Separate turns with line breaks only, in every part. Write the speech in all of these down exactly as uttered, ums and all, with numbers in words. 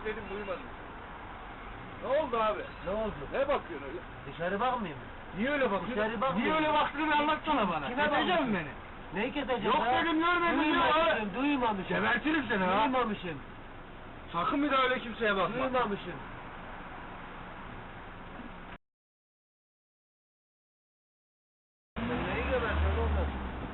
dedim duymadın. Ne oldu abi?
Ne oldu?
Ne bakıyorsun öyle?
Dışarı bakmayayım mı?
Niye öyle bakıyorsun?
Dışarı bakmıyorum.
Niye öyle baktığını bir anlatsana bana.
Kime
Keseceksin
bakıyorsun?
beni.
Neyi keseceğim?
Yok
ha?
dedim, görmedim ya.
Duymamışım, duymamışım.
Gebertirim seni ha.
Duymamışım,
Sakın bir daha öyle kimseye bakma.
duymamışım. Sen neyi gebertiyorsun oğlum?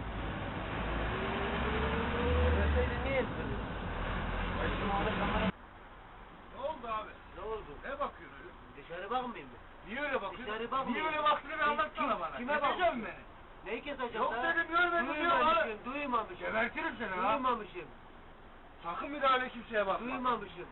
Geberseydin niye etmedin? Ben şimdi orada kamera...
Ne oldu abi?
Ne oldu?
Ne bakıyorsun öyle?
Dışarı bakmayayım mı?
Niye öyle bakıyorsun?
Dışarı bakmıyorum.
Niye öyle baktığını bir anlatsana
Kim-
bana.
kime
Keseceksin
bakıyorsun?
beni.
Neyi keseceğim?
Yok
ha?
dedim, görmedim ya.
Duymamışım, duymamışım.
Gebertirim seni ha.
Duymamışım,
Sakın bir daha öyle kimseye bakma.
duymamışım.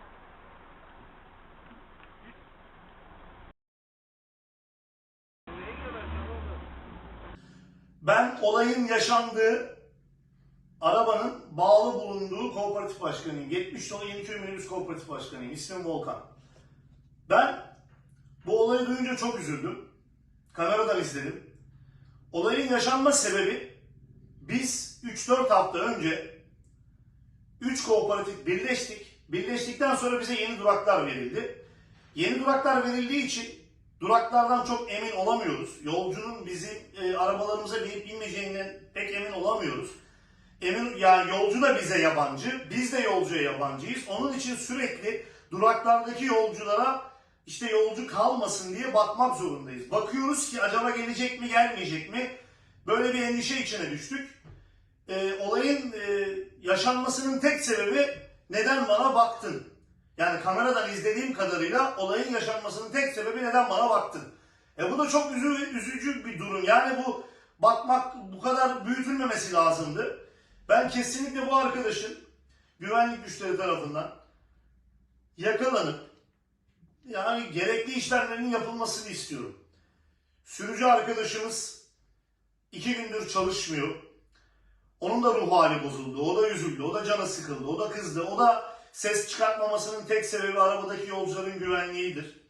Neyi gebertiyorsun oğlum?
Ben olayın yaşandığı arabanın bağlı bulunduğu kooperatif başkanıyım. yetmiş dolu Yeniköy Minibüs Kooperatif Başkanıyım. İsmim Volkan. Ben bu olayı duyunca çok üzüldüm. Kameradan izledim. Olayın yaşanma sebebi, biz üç dört hafta önce üç kooperatif birleştik. Birleştikten sonra bize yeni duraklar verildi. Yeni duraklar verildiği için duraklardan çok emin olamıyoruz. Yolcunun bizim e, arabalarımıza binip binmeyeceğinden pek emin olamıyoruz. Emin, yani yolcu da bize yabancı, biz de yolcuya yabancıyız. Onun için sürekli duraklardaki yolculara işte yolcu kalmasın diye bakmak zorundayız. Bakıyoruz ki acaba gelecek mi, gelmeyecek mi? Böyle bir endişe içine düştük. E, olayın e, yaşanmasının tek sebebi, neden bana baktın? Yani kameradan izlediğim kadarıyla olayın yaşanmasının tek sebebi, neden bana baktın? E bu da çok üzü, üzücü bir durum. Yani bu bakmak bu kadar büyütülmemesi lazımdı. Ben kesinlikle bu arkadaşın güvenlik güçleri tarafından yakalanıp yani gerekli işlemlerinin yapılmasını istiyorum. Sürücü arkadaşımız iki gündür çalışmıyor. Onun da ruh hali bozuldu. O da üzüldü. O da canı sıkıldı. O da kızdı. O da ses çıkartmamasının tek sebebi arabadaki yolcuların güvenliğidir.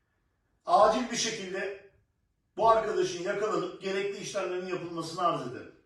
Acil bir şekilde bu arkadaşın yakalanıp gerekli işlemlerin yapılmasını arz ederim.